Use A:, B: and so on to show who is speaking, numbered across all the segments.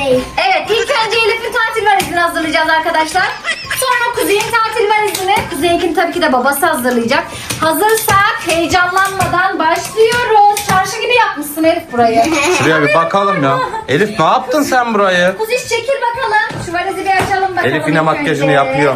A: değil.
B: Evet, ilk önce Elif'in tatil valizini hazırlayacağız arkadaşlar. Sonra Kuzey'in tatil valizini. Kuzey'inkini tabii ki de babası hazırlayacak. Hazırsak heyecanlanmadan başlıyoruz. Çarşı gibi yapmışsın Elif burayı.
C: Şuraya bir bakalım ya. Elif ne yaptın sen burayı?
B: Kuzey çekil bakalım. Şu valizi bir açalım bakalım.
C: Elif yine
B: ilk
C: makyajını
B: önce.
C: yapıyor.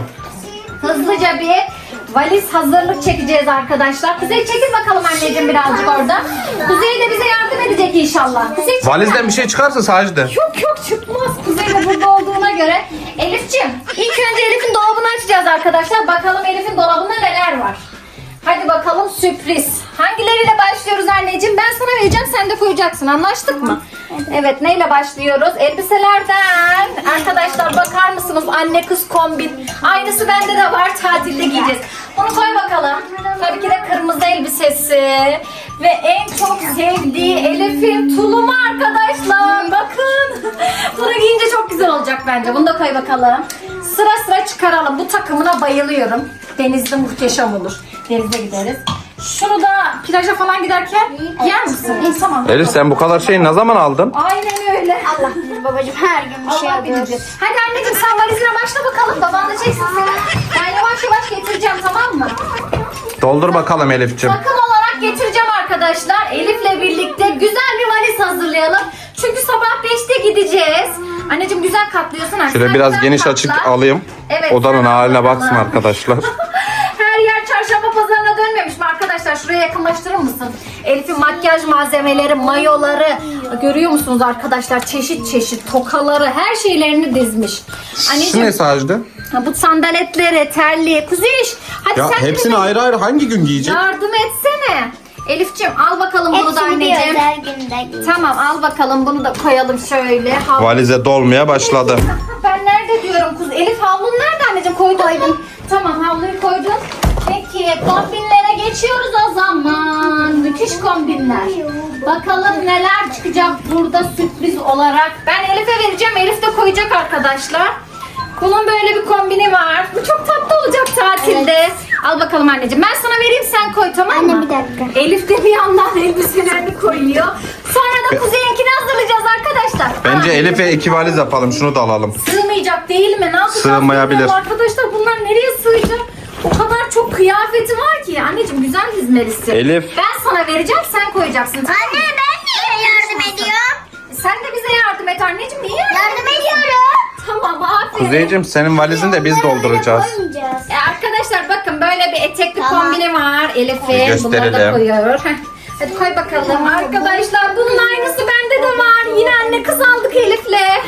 B: Hızlıca bir valiz hazırlık çekeceğiz arkadaşlar. Kuzey çekil bakalım anneciğim birazcık orada. Kuzey de bize yardım edecek inşallah. Kuzey çekil.
C: Valizden bir şey çıkarsa Sacide.
B: Yok çıkmaz. Kuzey de burada olduğuna göre. Elif'ciğim ilk önce Elif'in dolabını açacağız arkadaşlar. Bakalım Elif'in dolabında neler var. Hadi bakalım sürpriz. Hangileriyle başlıyoruz anneciğim? Ben sana vereceğim, sen de koyacaksın. Anlaştık mı? Evet, neyle başlıyoruz? Elbiselerden. Arkadaşlar bakar mısınız? Anne kız kombin. Aynısı bende de var. Tatilde giyeceğiz. Bunu koy bakalım. Tabii ki de kırmızı elbisesi. Ve en çok sevdiği Elif'in tulumu arkadaşlar. Bakın. Bunu giyince çok güzel olacak bence. Bunu da koy bakalım. Sıra sıra çıkaralım. Bu takımına bayılıyorum. Denizde muhteşem olur. Denize gideriz. Şunu da plaja falan giderken yer misin? Tamam.
C: Elif sen bu kadar şeyi ne zaman aldın?
B: Aynen öyle.
A: Allah bilir babacığım, her gün bir şey
B: Allah
A: yapıyoruz.
B: bilir. Hadi anneciğim sen valizine başla bakalım. Baban da çeksin seni. Ben yavaş yavaş getireceğim, tamam mı?
C: Doldur bakalım Elif'ciğim.
B: Takım olarak getireceğim arkadaşlar. Elif'le birlikte güzel bir valiz hazırlayalım. Çünkü sabah 5'te gideceğiz. Anneciğim güzel katlıyorsun.
C: Şöyle
B: Sen
C: biraz
B: güzel
C: geniş
B: katla.
C: açık alayım.
B: Evet,
C: Odanın
B: sen
C: haline
B: al
C: baksın
B: bakalım.
C: arkadaşlar.
B: Her yer çarşamba pazarına dönmemiş mi arkadaşlar? Şuraya yakınlaştırır mısın? Elif'in makyaj malzemeleri, mayoları. Görüyor musunuz arkadaşlar? Çeşit çeşit tokaları, her şeylerini dizmiş.
C: Şu ne Sacide?
B: bu sandaletleri, terliği. Kuziş, hadi
C: Ya
B: sen de
C: hepsini
B: bize
C: ayrı ayrı hangi gün giyecek?
B: yardım etsene. Elif'ciğim al bakalım bunu da
A: Hepsini bir
B: anneciğim.
A: özel günde giyin.
B: Tamam, al bakalım bunu da koyalım şöyle.
C: Valize dolmaya başladı.
B: Ben nerede diyorum kuz? Elif havlun nerede anneciğim? Koydum. Tamam, havluyu koydum. Peki kombinlere geçiyoruz o zaman. Müthiş kombinler. Bakalım neler çıkacak burada sürpriz olarak. Ben Elif'e vereceğim. Elif de koyacak arkadaşlar. Bunun böyle bir kombini var. Bu çok tatlı olacak tatilde. Al bakalım anneciğim. Ben sana vereyim, sen koy, tamam mı?
A: Anne, bir dakika.
B: Elif de bir yandan elbiselerini koyuyor. Sonra da Kuzey'inkini hazırlayacağız arkadaşlar.
C: Bence Elif'e 2 valiz yapalım. Şunu da alalım.
B: Sığmayacak değil mi? Ne yapacağız?
C: Sığmayabilir.
B: bilmiyorum arkadaşlar, bunlar nereye sığacak? O kadar çok kıyafeti var ki. Anneciğim güzel dizmelisin.
C: Elif.
B: Ben sana vereceğim, sen koyacaksın. Tamam mı?
A: Anne, ben niye yardım ediyorum?
B: Sen de bize yardım et anneciğim. Niye
A: Yardım ediyorum.
B: Tamam, aferin.
C: Kuzeyciğim senin valizini de biz dolduracağız.
A: Koymayacağız.
B: Arkadaşlar bakın böyle bir etekli
A: Tamam.
B: kombini var Elif'in. Bunları da
C: Gösterelim.
B: koyuyor. Heh. Hadi koy bakalım arkadaşlar. Bunun aynısı bende de var. Yine anne kız aldık Elif'le.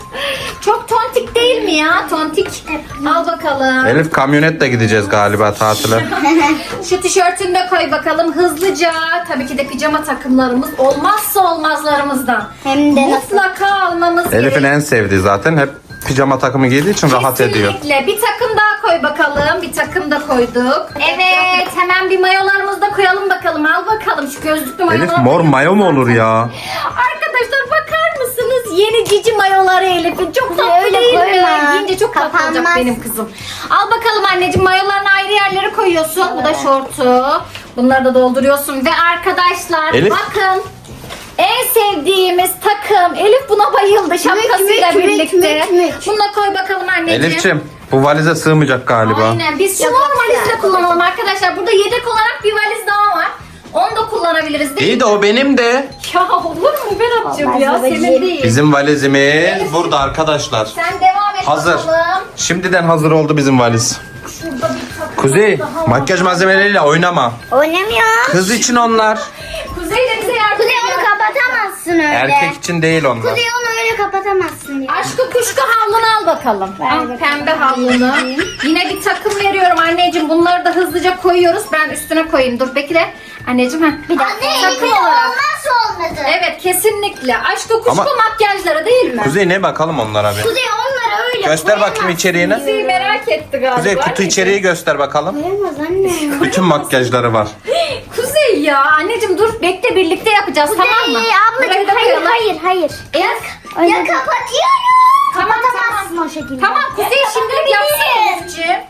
B: Çok tontik değil mi ya? Tontik. Al bakalım.
C: Elif kamyonetle gideceğiz galiba tatile.
B: Şu tişörtünü de koy bakalım hızlıca. Tabii ki de pijama takımlarımız olmazsa olmazlarımızdan.
A: Hem de nasıl?
B: Mutlaka almamız
C: Elif'in en sevdiği zaten. Hep pijama takımı giydiği için rahat ediyor.
B: Kesinlikle. Bir takım daha koy bakalım. Bir takım da koyduk. Evet. Hemen bir mayolarımızı da koyalım bakalım. Al bakalım şu gözlüklü mayoları.
C: Elif mor mayo mu olur ya?
B: Arkadaşlar bakar mısınız? Yeni cici mayoları Elif'in. Çok tatlı
A: Öyle
B: değil mi?
A: koyma.
B: Giyince çok tatlı olacak
A: Kapanmaz.
B: benim kızım. Al bakalım anneciğim, mayolarını ayrı yerlere koyuyorsun. Bu da şortu. Bunları da dolduruyorsun. Ve arkadaşlar
C: Elif.
B: bakın. En sevdiğimiz takım. Elif buna bayıldı şapkasıyla
A: mük,
B: birlikte.
A: mük.
B: Bunu da koy bakalım anneciğim.
C: Elif'ciğim bu valize sığmayacak galiba.
B: Aynen. Biz şunu valizle kullanalım arkadaşlar. Burada yedek olarak bir valiz daha var. Onu da kullanabiliriz değil
C: İyi
B: mi?
C: de o benim de.
B: Ya olur mu Berat'cığım
A: Olmaz
B: ya?
A: babacığım.
B: Senin değil.
C: Bizim valizimiz burada arkadaşlar.
B: Sen devam et
C: Hazır.
B: bakalım.
C: Şimdiden hazır oldu bizim valiz.
B: Şurada bir takım
C: Kuzey
B: daha var.
C: makyaj malzemeleriyle oynama.
A: Oynamıyor.
C: Kız için onlar.
B: Kuzey de bize yardım
A: Kuzey onu
B: ediyor.
A: kapatamazsın öyle.
C: Erkek için değil onlar.
A: Kuzey onu öyle kapatamazsın diyor.
B: Aşkı kuşku havlunu al bakalım. Al pembe havlunu. Yine bir takım veriyorum anneciğim. Bunları da hızlıca koyuyoruz. Ben üstüne koyayım. Dur bekle. Anneciğim heh.
A: Bir dakika.
B: Takım olarak.
A: Olmazsa olmadı.
B: Evet kesinlikle. Aşkı kuşku
C: Ama-
B: makyajları değil mi?
C: Kuzey ne bakalım onlara bir.
A: Kuzey onları öyle
C: Göster bakayım
A: koyamaz.
C: içeriğini.
B: Kuzey merak etti galiba.
C: Kuzey kutu
B: anneciğim.
C: içeriği göster bakalım.
A: Koyamaz anne.
C: Bütün makyajları var.
B: Kuzey ya anneciğim dur bekle birlikte yapacağız tamam mı?
A: Ablacığım
B: Burayı da
A: hayır
B: koyalım.
A: hayır.
B: Evet.
A: Ya kapatıyorum.
B: Tamam
A: Kapatamazsın o şekilde.
B: Tamam Kuzey
A: Ya
B: şimdi
A: kapatabilirim.
B: yapsın Elif'ciğim.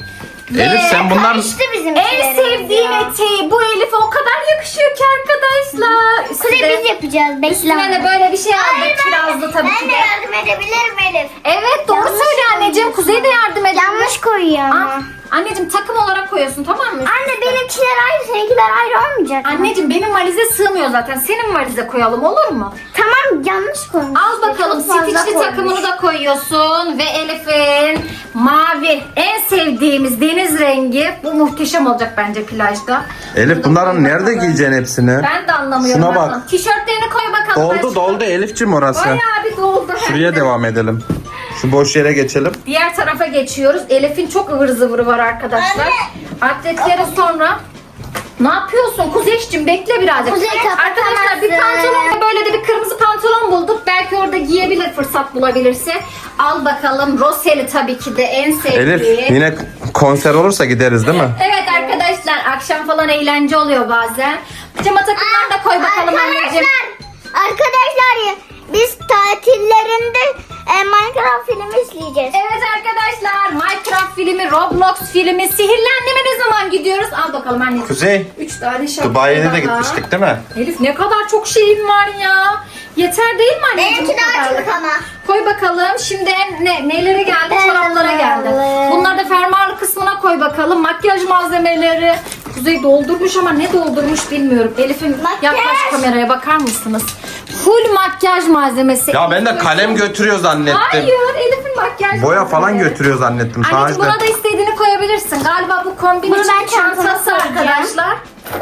C: Elif sen bunlar...
A: Karıştı bizim
B: En
A: işlerimiz
B: sevdiğim
A: ya.
B: eteği bu Elif'e o kadar yakışıyor ki arkadaşlar.
A: Kuzey biz yapacağız. Bekle.
B: Üstüne de böyle bir şey aldık. Kirazlı tabii
A: Ben
B: ki
A: de
B: de.
A: yardım edebilirim Elif.
B: Evet doğru
A: Yanlış
B: söyle anneciğim. Kuzey de yardım eder.
A: Yanlış koyuyor ama.
B: Anneciğim takım olarak koyuyorsun tamam mı?
A: Anne benimkiler ayrı, seninkiler ayrı olmayacak mı?
B: Anneciğim benim valize sığmıyor zaten. Senin valize koyalım olur mu?
A: Tamam yanlış koymuş.
B: Al bakalım
A: Çok fazla
B: stitchli
A: koymuş.
B: takımını da koyuyorsun. Ve Elif'in mavi en sevdiğimiz deniz rengi. Bu muhteşem olacak bence plajda.
C: Elif bunların nerede giyeceksin hepsini?
B: Ben de anlamıyorum.
C: Şuna bak.
B: Bakalım. Tişörtlerini koy bakalım.
C: Doldu
B: aşkım.
C: doldu Elif'cim orası.
B: Bayağı bir doldu.
C: Şuraya devam edelim. Şu boş yere geçelim.
B: Diğer tarafa geçiyoruz. Elif'in çok ıvır zıvırı var arkadaşlar. Atletleri sonra... Ne yapıyorsun Kuzeyş'cim bekle birazcık.
A: Kuzey,
B: Arkadaşlar bir
A: kapatamazsın.
B: pantolon ve böyle de bir kırmızı pantolon bulduk. Belki orada giyebilir fırsat bulabilirse. Al bakalım Roseli tabii ki de en sevdiği.
C: Elif yine konser olursa gideriz değil mi?
B: Evet arkadaşlar akşam falan eğlence oluyor bazen. Pijama takımlarını da koy bakalım anneciğim.
A: Arkadaşlar biz tatillerinde Minecraft filmi izleyeceğiz.
B: Evet arkadaşlar Minecraft filmi, Roblox filmi, Sihirli Anneme ne zaman gidiyoruz? Al bakalım anneciğim.
C: Kuzey,
B: 3 tane şapka
C: Dubai'ye
B: daha.
C: de gitmiştik değil mi?
B: Elif ne kadar çok şeyin var ya. Yeter değil mi anneciğim?
A: Benimki
B: bu
A: daha
B: kadar?
A: çok ama.
B: Koy bakalım. Şimdi nelere geldi? Çoraplara geldi. Bunları da fermuarlı kısmına koy bakalım. Makyaj malzemeleri. Kuzey doldurmuş ama ne doldurmuş bilmiyorum. Elif'in
A: Makyaj.
B: yaklaş kameraya bakar mısınız? Full makyaj malzemesi.
C: Ya ben de kalem götürüyor zannettim.
B: Hayır Elif'in makyaj
C: Boya
B: malzemeleri.
C: falan götürüyor zannettim.
B: Anneciğim
C: Sadece.
B: buna da istediğini koyabilirsin. Galiba bu kombin
A: Bunu
B: için
A: ben çantama
B: çantası
A: koyacağım.
B: arkadaşlar.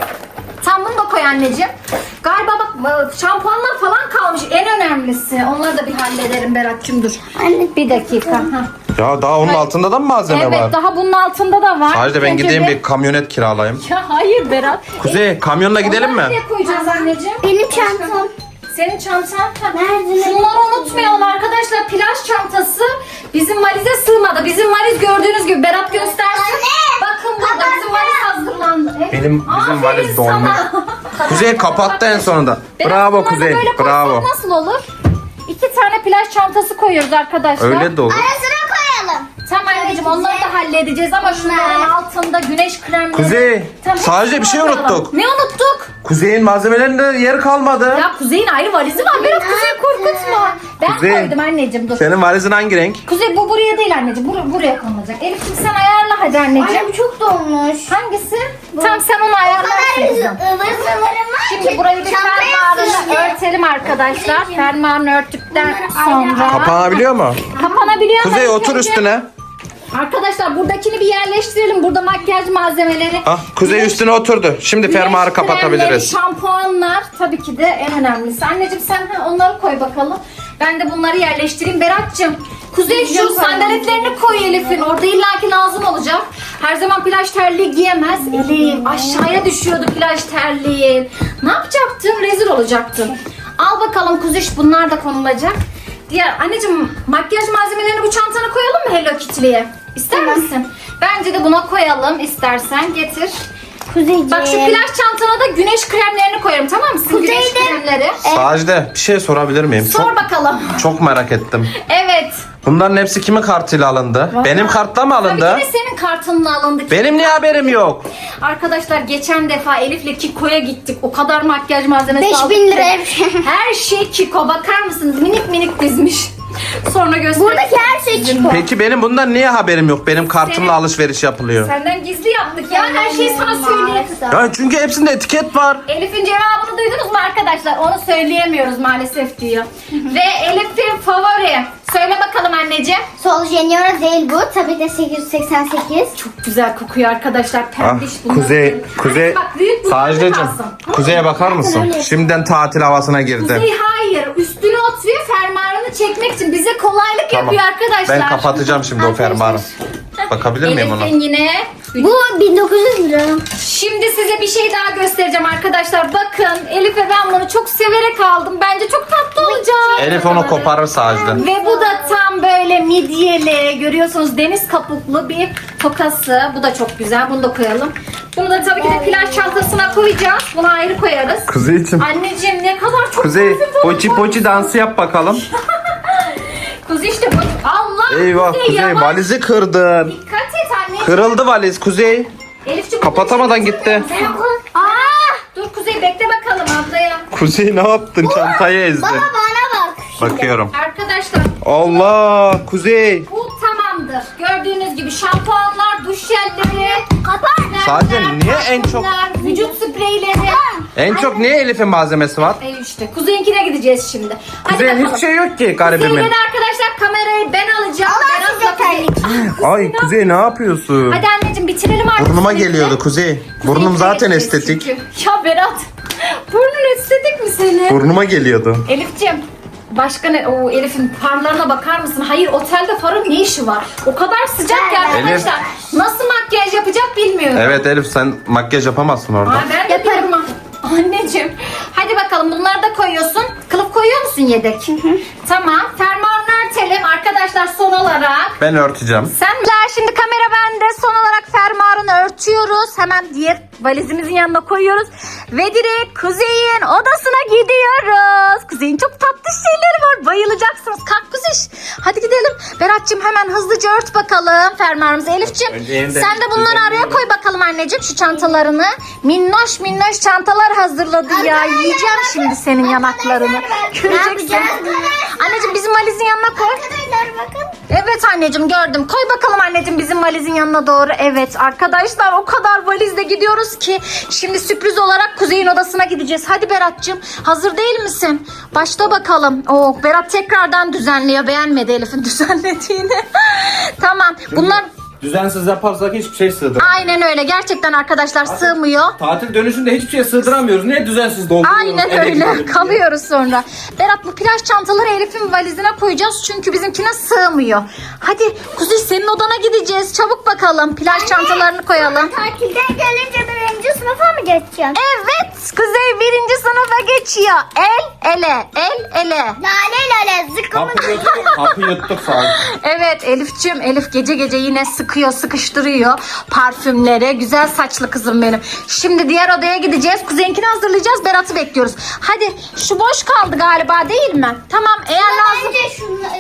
B: Sen bunu da koy anneciğim. Galiba bak şampuanlar falan kalmış. En önemlisi. Onları da bir hallederim Berat'cığım dur.
A: Anne.
B: Bir dakika. Hah.
C: Ya daha onun altında da mı malzeme
B: Evet
C: var?
B: daha bunun altında da var.
C: Sadece ben
B: Önce
C: gideyim
B: de-
C: bir kamyonet kiralayayım.
B: Ya hayır Berat.
C: Kuzey kamyonla gidelim mi?
B: Onları nereye koyacağız anneciğim?
A: Benim çantam.
B: Senin çantan. Ha.
A: Nerede?
B: Şunları unutmayalım arkadaşlar. Plaj çantası bizim valize sığmadı. Bizim valiz gördüğünüz gibi Berat göstersin.
A: Anne!
B: Bakın burada bizim valiz hazırlandı. Evet.
C: Bizim
B: Aferin
C: valiz dolmuş.
B: sana.
C: Kuzey kapattı en sonunda.
B: Berat,
C: Bravo
B: bunları da
C: Kuzey.
B: böyle koysak
C: Bravo.
B: nasıl olur? 2 tane plaj çantası koyuyoruz arkadaşlar.
C: Öyle de olur.
A: Arasına koyalım.
B: Tamam anneciğim onları da halledeceğiz ama şunların altında güneş kremleri.
C: Kuzey,
B: Tamam,
C: sadece bir şey
B: hepsini koyalım.
C: unuttuk.
B: Ne unuttuk?
C: Kuzey'in malzemelerinde yer kalmadı.
B: Ya Kuzey'in ayrı valizi var. Berat Kuzey korkutma. Ben
C: Kuzey,
B: koydum anneciğim dur.
C: Senin valizin hangi renk?
B: Kuzey bu buraya değil anneciğim. Buraya konulacak. Elif'ciğim sen ayarla hadi anneciğim.
A: Anne bu çok dolmuş.
B: Hangisi? Tamam sen onu ayarlarsın kızım.
A: ıvır zıvırım var
B: Şimdi
A: ki
B: burayı bir
A: çantaya
B: fermuarını
A: sığıyor.
B: örtelim arkadaşlar. Fermuarını örttükten sonra
C: Kapanabiliyor mu?
B: kapanabiliyor.
C: Kuzey
B: mu?
C: otur üstüne.
B: Arkadaşlar buradakini bir yerleştirelim. Burada makyaj malzemeleri.
C: Ah, Kuzey üstüne oturdu. Şimdi fermuarı
B: Güneş kremleri,
C: kapatabiliriz.
B: şampuanlar tabii ki de en önemlisi. Anneciğim sen onları koy bakalım. Ben de bunları yerleştireyim. Berat'cığım Kuzey şu sandaletlerini koy Elif'in. Orada illaki lazım olacak. Her zaman plaj terliği giyemez. Elif aşağıya düşüyordu plaj terliğin. Ne yapacaktın? Rezil olacaktın. Al bakalım Kuziş bunlar da konulacak. Diğer anneciğim makyaj malzemelerini bu çantana koyalım mı Hello Kitty'liye? İster misin? Bence de buna koyalım istersen getir.
A: Kuzeyciğim.
B: Bak şu plaj çantana da güneş kremlerini koyarım tamam mı? Güneş
A: Kuzeyde-
B: kremleri.
C: Sadece bir şey sorabilir miyim?
B: Sor bakalım.
C: Çok merak ettim.
B: Evet.
C: Bunların hepsi kimin kartıyla alındı? Benim kartla mı alındı?
B: Tabii ki de senin kartınla alındı.
C: Benim niye haberim yok?
B: Arkadaşlar geçen defa Elif'le Kiko'ya gittik. O kadar makyaj malzemesi
A: 5000
B: aldık
A: lira
B: ki.
A: her şey.
B: Her şey Kiko. Bakar mısınız? Minik minik dizmiş. Sonra göstereyim.
A: Buradaki her şey Kiko.
C: Peki benim bundan niye haberim yok? Benim kartımla
B: Senin-
C: alışveriş yapılıyor.
B: Senden gizli yaptık ya. Her şeyi sana söyleyeyim.
C: Ya çünkü hepsinde etiket var.
B: Elif'in cevabını duydunuz mu arkadaşlar? Onu söyleyemiyoruz maalesef diyor. Ve Elif'in favori. Söyle bakalım anneciğim.
A: Sol Junior değil bu. Tabii de 888.
B: Çok güzel kokuyor arkadaşlar.
C: Ah,
B: Pembiş bunlar.
C: Kuzey,
B: Bak büyük bu.
C: Sadece
B: kalsın.
C: Kuzey'e bakar mısın?
A: öyle.
C: Şimdiden tatil havasına girdi.
B: Kuzey hayır. Üstüne oturuyor fermuarını çekmek için. Bize kolaylık yapıyor arkadaşlar.
C: Ben kapatacağım şimdi o fermuarı. Bakabilir miyim ona?
B: Elif'in yine.
A: Bu 1900 lira.
B: Şimdi size bir şey daha göstereceğim arkadaşlar. Bakın Elif ve ben bunu çok severek aldım. Bence çok tatlı olacak.
C: Elif onu koparır sadece.
B: Ve bu da tam böyle midyeli, görüyorsunuz deniz kabuklu bir tokası. Bu da çok güzel. Bunu da koyalım. Bunu da tabii ki de plaj çantasına koyacağız. Bunu ayrı koyarız.
C: Kuzeyciğim.
B: Anneciğim ne kadar çok
C: Kuzey,
B: parfüm falan
C: poçi
B: koy-
C: poçi dansı yap bakalım.
B: Kuzey işte bu. Allah
C: Eyvah Kuzey
B: yavaş.
C: valizi kırdın.
B: Dikkat et anneciğim.
C: Kırıldı valiz Kuzey.
B: Elif'ciğim,
C: Kapatamadan gitti.
B: Dur Kuzey, bekle bakalım ablaya.
C: Kuzey ne yaptın? Çantayı ezdin.
A: Baba bana bak.
C: Bakıyorum.
B: Arkadaşlar
C: Allah Kuzey.
B: bu tamamdır. Gördüğünüz gibi şampuanlar, duş jelleri,
C: Sadece niye en çok
B: vücut spreyleri.
C: en çok niye Elif'in malzemesi var?
B: İşte Kuzey'inkine gideceğiz şimdi. Hadi
C: Kuzey'in
B: bakalım.
C: hiçbir şey yok ki garibimin.
B: Kuzey'le de arkadaşlar kamerayı ben alacağım. Ben
A: size
B: atlatacağım.
C: Ay Kuzey ne yapıyorsun?
B: Hadi anneciğim bitirelim artık.
C: Burnuma
B: seninle.
C: geliyordu Kuzey. Burnum
B: Kuzey'inkine
C: zaten
B: gideceğiz
C: estetik.
B: çünkü. Ya Berat, burnun estetik mi senin?
C: Burnuma geliyordu.
B: Elif'ciğim, başka ne? Oo, Elif'in farlarına bakar mısın? Hayır, otelde farın ne işi var? O kadar sıcak ki arkadaşlar. Nasıl makyaj yapacak bilmiyorum.
C: Evet Elif sen makyaj yapamazsın orada.
B: Aa, ben de yaparım. Anneciğim. Hadi bakalım, bunları da koyuyorsun. Kılıf koyuyor musun yedek? Tamam. Fermuarını örtelim arkadaşlar son olarak.
C: Ben örteceğim.
B: Şimdi kamera bende. Son olarak fermuarını örtüyoruz. Hemen diğer valizimizin yanına koyuyoruz. Ve direkt Kuzey'in odasına gidiyoruz. Kuzey'in çok tatlı şeyleri var. Bayılacaksınız. Kalk Kuzey. Hadi gidelim. Berat'cığım hemen hızlıca ört bakalım fermuarımızı. Elif'ciğim
C: Önce yeniden
B: sen de bunları araya koy bakalım anneciğim, şu çantalarını. Minnoş minnoş çantalar hazırladı ya. Yiyeceğim şimdi senin yanaklarını. Göreceksin. Anneciğim bizim valizin yanına koy.
A: Arkadaşlar bakın.
B: Evet anneciğim, gördüm. Koy bakalım anneciğim bizim valizin yanına doğru. Evet arkadaşlar, o kadar valizle gidiyoruz ki şimdi sürpriz olarak Kuzey'in odasına gideceğiz. Hadi Berat'cığım, hazır değil misin? Başla bakalım. Oo, Berat tekrardan düzenliyor. Beğenmedi Elif'in düzenlediğini. Tamam. Bunlar
D: Düzensiz yaparsak hiçbir şey sığdıramıyoruz.
B: aynen öyle. Gerçekten arkadaşlar sığmıyor.
D: Tatil dönüşünde hiçbir şey sığdıramıyoruz. Niye düzensiz dolduruyoruz?
B: Aynen
D: eve
B: öyle.
D: gidelim diye.
B: Kalıyoruz sonra. Berat, bu plaj çantaları Elif'in valizine koyacağız çünkü bizimkine sığmıyor. Hadi Kuzey, senin odana gideceğiz. Çabuk bakalım. Plaj çantalarını koyalım.
A: Tatilden gelince birinci sınıfa mı geçeceğim?
B: Evet, Kuzey 1. sınıfa geçiyor. El ele, el ele.
A: Lale lale zıkkımı.
D: Kapı yuttuk sağ ol.
B: Evet Elif'ciğim, Elif gece gece yine sıkıyor, sıkıştırıyor parfümleri. Güzel saçlı kızım benim. Şimdi diğer odaya gideceğiz. Kuzey'inkini hazırlayacağız. Berat'ı bekliyoruz. Hadi, şu boş kaldı galiba değil mi? Tamam, eğer lazım.
A: Bence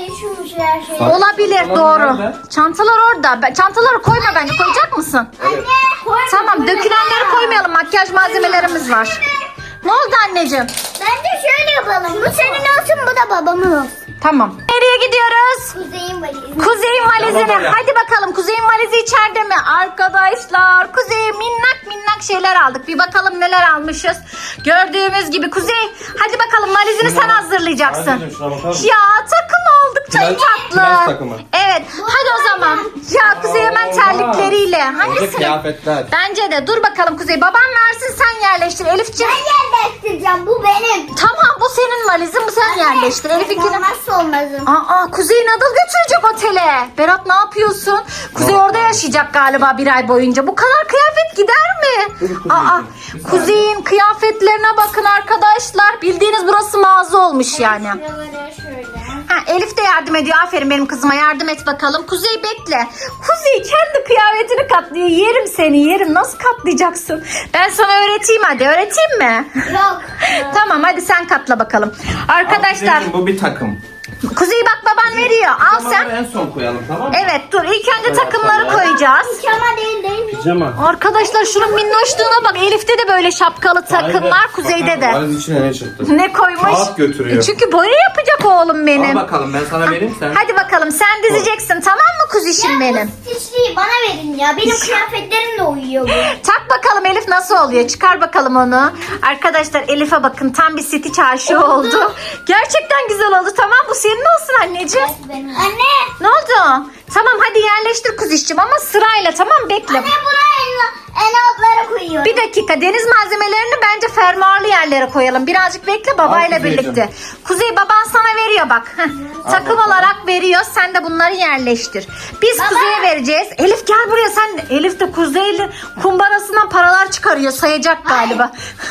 A: şu şey.
B: Olabilir,
D: Çantalar
B: doğru.
D: nerede?
B: Çantalar orada. Çantaları koyma bence. Koyacak mısın?
A: Anne.
B: Tamam, dökülenleri koymayalım. Makyaj malzemelerimiz var. Ne oldu anneciğim?
A: Bence şöyle yapalım. Bu senin olsun, bu da babamın olsun.
B: Tamam. Nereye gidiyoruz?
A: Kuzey'in valizi.
B: Kuzey'in valizine.
D: Tamam,
B: Hadi bakalım, Kuzey'in valizi içeride mi? Arkadaşlar, Kuzey'e minnak minnak şeyler aldık. Bir bakalım neler almışız. Gördüğümüz gibi Kuzey, hadi bakalım valizini sen hazırlayacaksın.
D: Anneciğim, şuna bakar mısın?
B: Ya takım oldukça
D: Plaj-
B: tatlı.
D: plaj takımı.
B: Evet, hadi o zaman. Ya Kuzey hemen terlikleriyle.
D: Orada
B: Hangisi?
D: kıyafetler.
B: Bence de. Dur bakalım Kuzey. Baban versin, sen yerleştir. Elifciğim.
A: Ben yerleştireceğim. Bu benim.
B: Tamam, bu senin valizin, bu sen yerleştir. Elif'inkini.
A: Olmazsa olmazım.
B: Aa, Kuzey nadıl götürecek otele. Berat, ne yapıyorsun? Kuzey orada yaşayacak galiba bir ay boyunca. Bu kadar kıyafet gider mi? Aa, Kuzey'in kıyafetlerine bakın arkadaşlar. Bildiğiniz burası mağaza olmuş yani.
A: Şuraları şöyle.
B: Ha, Elif de yardım ediyor. Aferin benim kızıma, yardım et bakalım. Kuzey bekle. Kuzey kendi kıyafetini katlıyor. Yerim seni, yerim. Nasıl katlayacaksın? Ben sana öğreteyim hadi. Öğreteyim mi?
A: Yok.
B: Tamam, hadi sen katla bakalım. Arkadaşlar,
D: Kuzeyciğim, bu bir takım.
B: Kuzey bak, baban veriyor. Al sen.
D: Pijamaları en son koyalım, tamam mı?
B: Evet, dur. İlk önce takımları koyacağız.
A: Pijama değil mi?
D: Pijama.
B: Arkadaşlar şunun minnoşluğuna bak. Elif'te de böyle şapkalı takım var. Kuzey'de de.
D: Valiz içine ne çıktı?
B: Ne koymuş?
D: Kağıt götürüyor.
B: Çünkü boya yapacak oğlum benim.
D: Al bakalım, ben sana vereyim sen.
B: Hadi bakalım, sen dizeceksin, tamam mı kuzişim benim?
A: Bu stişliği bana verin ya. Benim kıyafetlerimle uyuyor bu.
B: Tak bakalım Elif, nasıl oluyor? Çıkar bakalım onu. Arkadaşlar Elif'e bakın, tam bir Stitch aşığı oldu. Gerçekten güzel oldu. Tamam, bu senin olsun anneciğim.
A: Benim. Anne.
B: Ne oldu? Tamam, hadi yerleştir kuzişim ama sırayla, tamam, bekle.
A: Anne buraya en altlara koyuyorum.
B: Bir dakika, deniz malzemelerini bence fermuarlı yerlere koyalım. Birazcık bekle babayla
D: Al Kuzeyciğim.
B: birlikte. Kuzey, baban sana veriyor bak. Heh, takım
D: bakalım.
B: olarak veriyor. Sen de bunları yerleştir. Biz Kuzey'e vereceğiz. Elif gel buraya sen de. Elif de Kuzey'le kumbarasından paralar çıkarıyor. Sayacak galiba.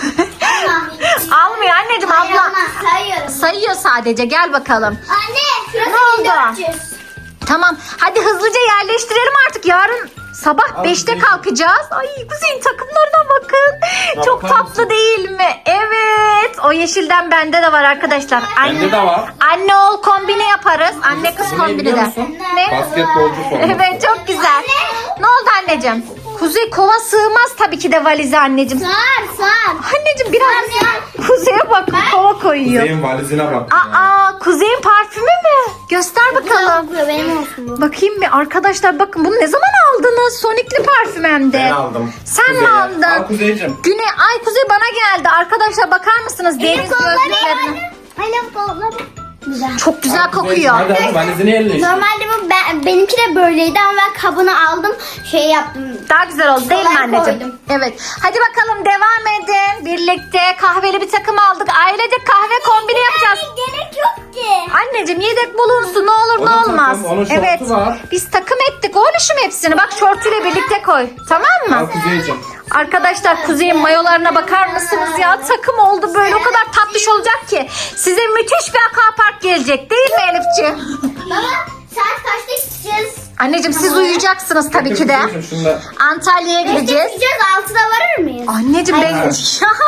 B: Almıyor anneciğim, abla.
A: Sayamaz, sayıyorum.
B: Sayıyor sadece. Gel bakalım.
A: Anne şurası
B: Ne oldu?
A: 1400.
B: Tamam, hadi hızlıca yerleştirelim artık. Yarın sabah
D: Abi,
B: 5'te kalkacağız. Ay, Kuzey'in takımlarına bakın. Çok
D: bakar
B: tatlı
D: mısın?
B: değil mi? Evet. O yeşilden bende de var arkadaşlar.
D: Bende de var.
B: Anne oğul kombini yaparız. Anne kız
D: Ne
B: kombini
D: biliyor
B: de.
D: musun?
B: Ne?
D: Basketbolcu forması.
B: Evet, çok güzel. Ne oldu anneciğim? Kuzey kova sığmaz tabii ki de valize anneciğim.
A: Sar.
B: Anneciğim biraz Kuzey'e bak kova koyuyor.
D: Kuzey'in valizine bak.
B: Aa Kuzey'in parfümü mü? Göster bakalım.
A: Benim olsun bu.
B: Bakayım bir arkadaşlar bakın bunu ne zaman aldınız? Sonic'li parfüm hem de.
D: Ben aldım.
B: Sen mi
D: Kuzey'e.
B: aldın?
D: Al Kuzey'cim.
B: Ay Kuzey bana geldi. Arkadaşlar bakar mısınız? Deniz gözlüklerine.
A: Annem kolları. Güzel.
B: Çok güzel
D: Al Kuzey'cim,
B: kokuyor.
D: Hadi al valizini elle işte.
A: Normalde bu benimki de böyleydi ama ben kabını aldım. Şey yaptım.
B: Daha güzel oldu değil mi
A: Kolay
B: anneciğim?
A: koydum.
B: Evet. Hadi bakalım devam edin. Birlikte kahveli bir takım aldık. Ailece kahve kombini yapacağız.
A: Gerek yok ki.
B: Anneciğim yedek bulunsun ne olur
D: Onun
B: ne
D: takım,
B: olmaz.
D: onun şortu
B: Evet.
D: var.
B: Biz takım ettik oğluşum hepsini. Bak şortuyla birlikte koy. Tamam mı?
D: Al Kuzey'cim.
B: Arkadaşlar Kuzey'in mayolarına bakar mısınız ya? Takım oldu böyle o kadar tatlış olacak ki. Size müthiş bir aquapark gelecek değil mi Elifciğim?
A: Baba saat kaçta gideceğiz?
B: Anneciğim siz uyuyacaksınız tabii ki de.
D: Kuzey'cim, şunu da.
B: Antalya'ya gideceğiz.
A: Gideceğiz 6'da varır mıyız?
B: Anneciğim ben...
A: Hayır,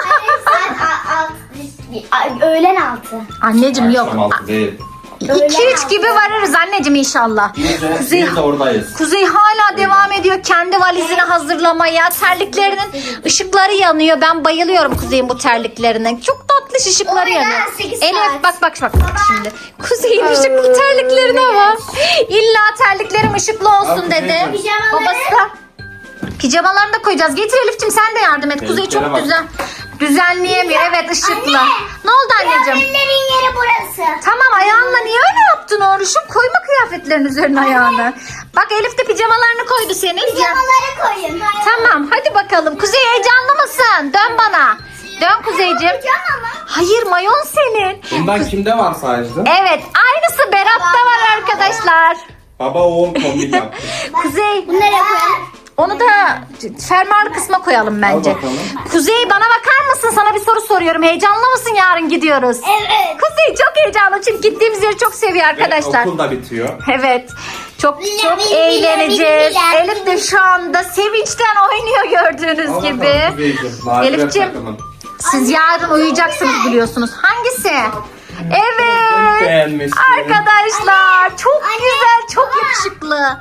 A: saat öğlen 6.
B: Anneciğim yok.
D: Akşam altı değil.
B: 2-3 gibi varırız anneciğim inşallah. Kuzey,
D: Biz de oradayız.
B: Kuzey hala devam ediyor kendi valizini hazırlamaya. Terliklerinin ışıkları yanıyor. Ben bayılıyorum Kuzey'in bu terliklerine. Çok tatlış ışıkları
A: Oyna,
B: yanıyor.
A: 8
B: Elif
A: saat.
B: bak şimdi. Kuzey'in ışıklı terliklerine bak. İlla terliklerim ışıklı olsun
D: Al
B: dedi.
D: Kuzey'cim.
A: Pijamaları.
B: Babası da pijamalarını da koyacağız. Getir Elif'ciğim sen de yardım et. Kuzey
D: Tehlikelere
B: çok
D: bak.
B: güzel. Düzenleyemiyor. Evet ışıklı.
A: Anne.
B: Ne oldu anneciğim?
A: Kıyafetlerin yeri burası.
B: Tamam ayağınla niye öyle yaptın oğluşum? Koyma kıyafetlerin üzerine ayağını. Bak Elif de pijamalarını koydu senin.
A: Pijamaları koyun.
B: Tamam hadi bakalım. Kuzey heyecanlı mısın? Dön bana. Dön Kuzeyciğim.
A: Pijama mı?
B: Hayır mayon senin.
D: Bundan kimde var sadece?
B: Evet aynısı Berat'ta var arkadaşlar.
D: Baba oğul kombin yaptı.
B: Kuzey
A: Bunları koyalım.
B: onu da fermuarlı kısma koyalım bence.
D: Al bakalım.
B: Kuzey bana bakar mısın? Sana bir soru soruyorum. Heyecanlı mısın yarın gidiyoruz?
A: Evet.
B: Kuzey çok heyecanlı çünkü gittiğimiz yeri çok seviyor arkadaşlar.
D: Ve okul da bitiyor.
B: Evet. Çok
A: Bile,
B: eğleneceğiz.
A: bile.
B: Elif de şu anda sevinçten oynuyor gördüğünüz
D: Al
B: gibi.
D: bakalım Kuzey'cim. lacivert
B: Elif'ciğim.
D: takımın.
B: Siz yarın uyuyacaksınız biliyorsunuz. Hangisi? Evet.
D: Beğenmişsin.
B: Arkadaşlar çok
A: Anne.
B: güzel, çok
A: Baba.
B: yakışıklı.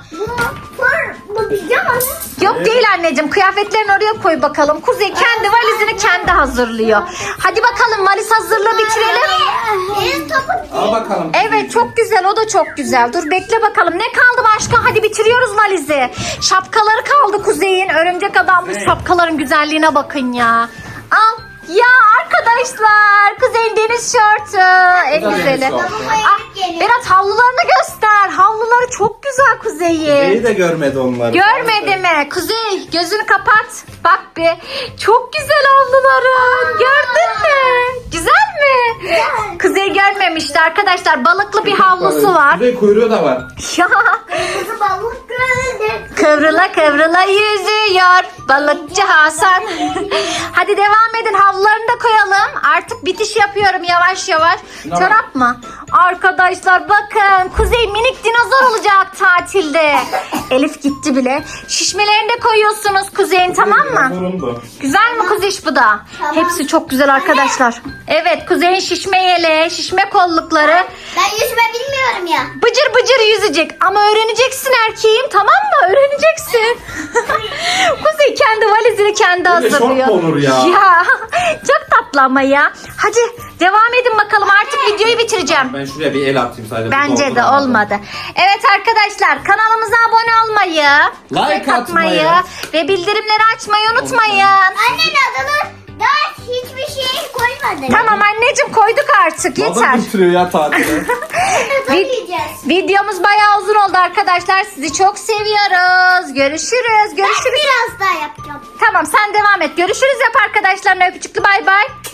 A: Bu pijama mı?
B: Yok değil anneciğim. Kıyafetlerini oraya koy bakalım. Kuzey kendi valizini kendi hazırlıyor. Hadi bakalım valiz hazırlığı bitirelim.
A: Benim topum.
D: Al bakalım.
B: Evet çok güzel o da çok güzel. Dur bekle bakalım ne kaldı başka? Hadi bitiriyoruz valizi. Şapkaları kaldı Kuzey'in. Örümcek adam bu şapkaların güzelliğine bakın ya. Al. Ya arkadaşlar Kuzey'in deniz şortu. En
D: Bu da
B: güzeli.
D: deniz şortu.
B: Ah, Berat havlularını göster. Havluları çok güzel Kuzey'in.
D: Kuzey'i de görmedi onları.
B: Görmedi mi? Kuzey gözünü kapat. Bak bir. Çok güzel havluların. Gördün mü? Güzel mi? Kuzey görmemişti arkadaşlar. Balıklı bir havlusu var.
D: Kuzey kuyruğu da var.
B: Ya.
A: Kızı balık gördü.
B: Kıvrıla kıvrıla yüzüyor balıkçı Hasan. Hadi devam edin havlularını da koyalım. Artık bitiş yapıyorum yavaş yavaş.
D: Şuna bak.
B: Çorap mı? Arkadaşlar bakın Kuzey minik dinozor olacak tatilde. Elif gitti bile. Şişmelerini de koyuyorsunuz Kuzey'in tamam mı?
D: Zorundu.
B: Güzel mi kuziş bu da?
A: Tamam.
B: Hepsi çok güzel arkadaşlar. Evet Kuzey'in şişme yeleği, şişme kollukları.
A: Ben yüzme bilmiyorum ya.
B: Bıcır bıcır yüzecek ama öğreneceksin erkeğim tamam mı? Öğreneceksin. Kuzey kendi valizini kendi
D: Öyle şort
B: hazırlıyor.
D: mu olur ya?
B: Ya çok tatlı ama ya. Hadi devam edin bakalım artık videoyu bitireceğim.
D: Ben şuraya bir el atayım sadece.
B: Bence de olmadı. Evet arkadaşlar kanalımıza abone olmayı,
D: Like atmayı
B: ve bildirimleri açmayı unutmayın.
A: Annen adını daha hiçbir şey koymadı.
B: Tamam anneciğim koyduk artık yeter.
D: Baba bitiriyor ya tatili.
A: Yiyeceğiz.
B: Videomuz bayağı uzun oldu arkadaşlar. Sizi çok seviyoruz. Görüşürüz.
A: Ben
B: Görüşürüz.
A: biraz daha yapacağım.
B: Tamam sen devam et. Görüşürüz yap arkadaşlarına öpücüklü bay bay.